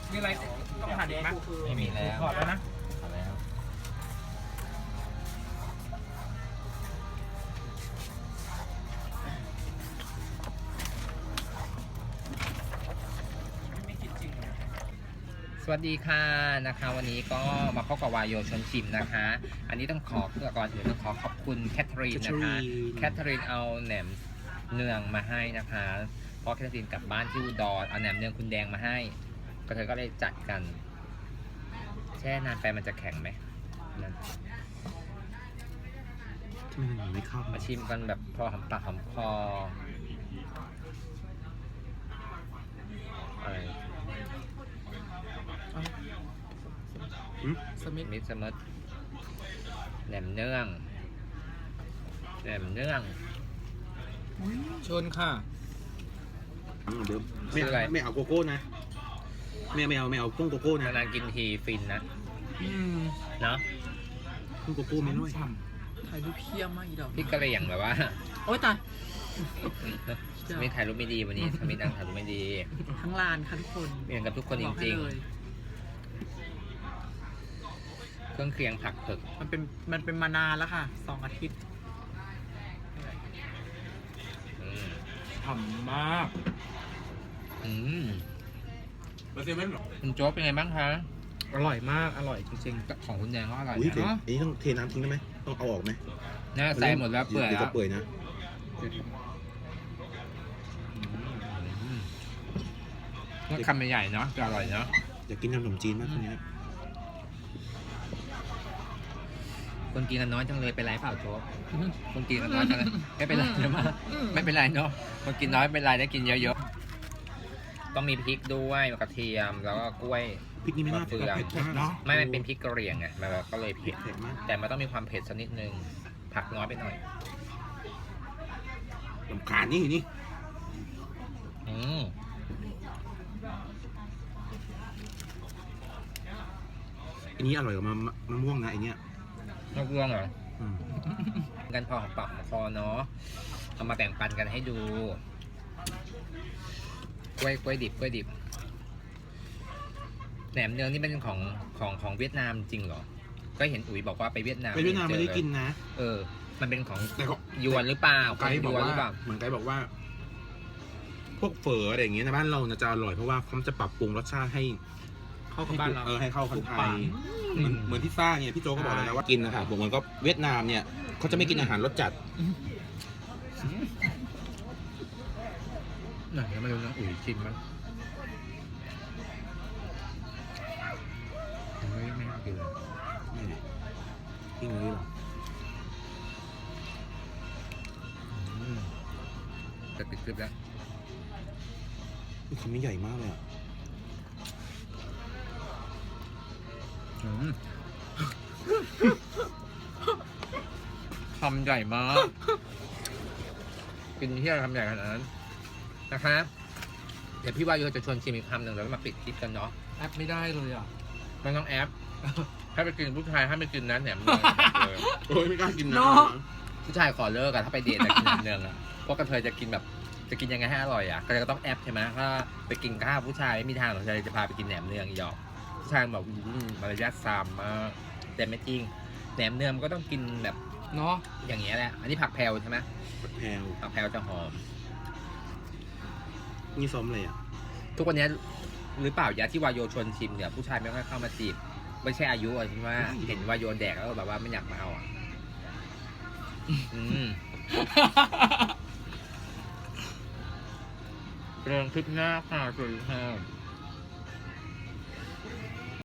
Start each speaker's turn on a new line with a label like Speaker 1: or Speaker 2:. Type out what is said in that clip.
Speaker 1: มีอะไรต้องหั่นอีกไหม
Speaker 2: ไม่มีแล้ว
Speaker 1: ถอดแล้วนะ
Speaker 2: ถอดแล้ว
Speaker 1: ไม่กินจริงเลย
Speaker 2: สวัสดีค่ะนะคะ วันนี้ก็มาพบกับวายโยชวนชิมนะคะ อันนี้ต้องขอก่อนอื่นต้องขอบคุณแคทเธอรีนนะคะแคทเธอรีนเอาแหนมเนืองมาให้นะคะเพราะแคทเธอรีนกลับบ้านที่อุดรเอาแหนมเนืองคุณแดงมาให้ก็เธอก็เลยจัดกันแช่นานไปมันจะแข็งไหมนั่น
Speaker 3: ทำไมมันไม่เข้า
Speaker 2: มาชิมกันแบบพอหอมปากหอมคออะไร
Speaker 1: สมิธ
Speaker 2: มิตรสมิธแหนมเนืองแหนมเนือง
Speaker 1: ชนค่ะ
Speaker 3: เดี๋ยว
Speaker 2: ชื่ออะไร
Speaker 3: ไม่เอาโกโก้นะไม่เอากุ้งโกโก้นะ
Speaker 2: นานๆกินทีฟินนะ
Speaker 1: อืม
Speaker 2: เนาะ
Speaker 3: กุ้งโกโก้ไม่ด้วย
Speaker 1: ฉ่ำถ่ายรูปเพี้ยมากอีดอก
Speaker 2: พี่กระเหรี่ยงแบบว่า
Speaker 1: โอ๊ยตาย
Speaker 2: สมิธถ่ายรูปไม่ดีวันนี้สมิธนั่งถ่ายรูปไม่ดี
Speaker 1: ทั้งลานค่ะทุกคน
Speaker 2: เหมือนกับทุกคนจ
Speaker 1: บอกให้
Speaker 2: ริง
Speaker 1: เลย
Speaker 2: ๆ เครื่องเคียงผักเผือก
Speaker 1: มันเป็นมานานแล้วค่ะ2 อาทิตย์
Speaker 2: อืม
Speaker 1: ฉ่ำมาก
Speaker 2: อืม
Speaker 1: มาเซเว่นหรอ
Speaker 2: คุณโจ๊กเป็นไงบ้างคะ
Speaker 1: อร่อยมากอร่อยจริง
Speaker 2: ของคุณแดงก็อร่อย
Speaker 3: อุ้ย
Speaker 2: นะ
Speaker 3: เดี๋ยวอันนี้ต้องเทน้ำทิ้งได้ไหมต้องเอาออกไหม
Speaker 2: น่าใส่หมดแล้วเปื่อย
Speaker 3: ดี๋ยว
Speaker 2: แล้
Speaker 3: จะ
Speaker 2: ว
Speaker 3: เปื่อยนะ
Speaker 2: ก็คำใหญ่ๆเนาะจะอร่อยเนาะ
Speaker 3: อยากกินน้ำขนมจีนมากคนนี้
Speaker 2: คนกินกันน้อยจังเลยเป็นไรเปล่าโจ๊กคนกินกันน้อยจังเลยไม่เป็นไรนะมาไม่เป็นไรเนาะคนกินน้อยไม่เป็นไรได้กินเยอะๆต้องมีพริกด้วยกระเทียมแล้วก็กล้วย
Speaker 3: พริกนี่ไม่น่า
Speaker 2: มะเฟื
Speaker 3: เผ็
Speaker 2: อง
Speaker 3: ดเนาะ
Speaker 2: ไม่มันเป็นพริกกระเหรี่ยงไงมันก็เลยเผ็ด
Speaker 3: เผ็ดมาก
Speaker 2: แต่มันต้องมีความเผ็ดสักนิดนึงผักน้อยไปหน่อย
Speaker 3: ลำคาญนี่
Speaker 2: อืม
Speaker 3: อันนี้อร่อยกว่ามะม่วงนะไอเนี้ย
Speaker 2: นอกเรื่องเหรอ
Speaker 3: อืม
Speaker 2: กันพอหอมปากหอมคอเนาะเอามาแบ่งปันกันให้ดูกล้วยดิบแหนมเนืองนี่เป็นของเวียดนามจริงเหรอก็เห็นอุ๋ยบอกว่าไปเวียดนาม
Speaker 3: ไปเวียดนามไม่ได้กินนะ
Speaker 2: มันเป็นของ
Speaker 3: แต่ก็
Speaker 2: ยวนหรือเปล่า
Speaker 3: ไกด์บอก
Speaker 2: ยวน
Speaker 3: ว่า
Speaker 2: หรือเปล่า
Speaker 3: เหมือนไกด์บอกว่า พวกเฝออะไรอย่างเงี้ยในบ้านเราจะอร่อยเพราะว่าเขาจะปรับปรุงรสชาติให้
Speaker 1: เข้ากับบ้านเรา
Speaker 3: ให้เข้าคน
Speaker 1: ถูก
Speaker 3: ไท
Speaker 1: ปาย ก
Speaker 3: เหมือนที่ซ่าเนี่ยพี่โจก็บอกเลยนะว่ากินนะครับเหมือนก็เวียดนามเนี่ยเขาจะไม่กินอาหารรสจัด
Speaker 2: ไหนมาดูนะอุ๋ยชิมมั้งไม่น่ากินเลย
Speaker 3: นี่กินเลยหรอ
Speaker 2: จะติดคลิปแล้ว
Speaker 3: นี่ชิ้นนี้ใหญ่มากเลยอ่ะ
Speaker 2: คำใหญ่มาก กินที่อะไรคำใหญ่ขนาดนั้นนะคะ เดี๋ยวพี่วายุจะชวนชิมอีกคำหนึ่งแล้วมาปิดคลิปกันเนาะ
Speaker 1: แอปไม่ได้เลยอ่ะ
Speaker 2: มันต้องแอป ถ้าไปกินผู้ชายถ้าไม่กินนั้นแหนมเนืองเลย
Speaker 3: โอ้ยไม่กล้ากินนะ
Speaker 1: เนาะ
Speaker 2: ผู้ชายขอเลิกอะถ้าไปเดทจะกินแหนมเนืองอะพวกกระเทยจะกินแบบจะกินยังไงให้อร่อยอะก็จะต้องแอปใช่ไหมถ้าไปกินข้าวผู้ชายไม่มีทางหรอกจะพาไปกินแหนมเนืองอีหยอกผู้ชายบอกมารยาทซามมากแต่ไม่จริงแหนมเนืองมันก็ต้องกินแบบ
Speaker 1: เนาะ
Speaker 2: อย่างเงี้ยแหละอันนี้ผักแพรวใช่ไหม
Speaker 3: แพลว
Speaker 2: ผักแพรวจะหอม
Speaker 3: นี่ซ้อมอะไรอ่ะ
Speaker 2: ทุกวันนี้หรือเปล่ายาที่วายโยชวนชิมเนี่ยผู้ชายไม่ค่อยเข้ามาจีบไม่ใช่อายุอ่ะใช่ไหมเห็นวายโยแดกแล้วแบบว่าไม่อยากมาเอาอ่ะเรื่องคลิปหน้าค่ะสวัสดีค่ะ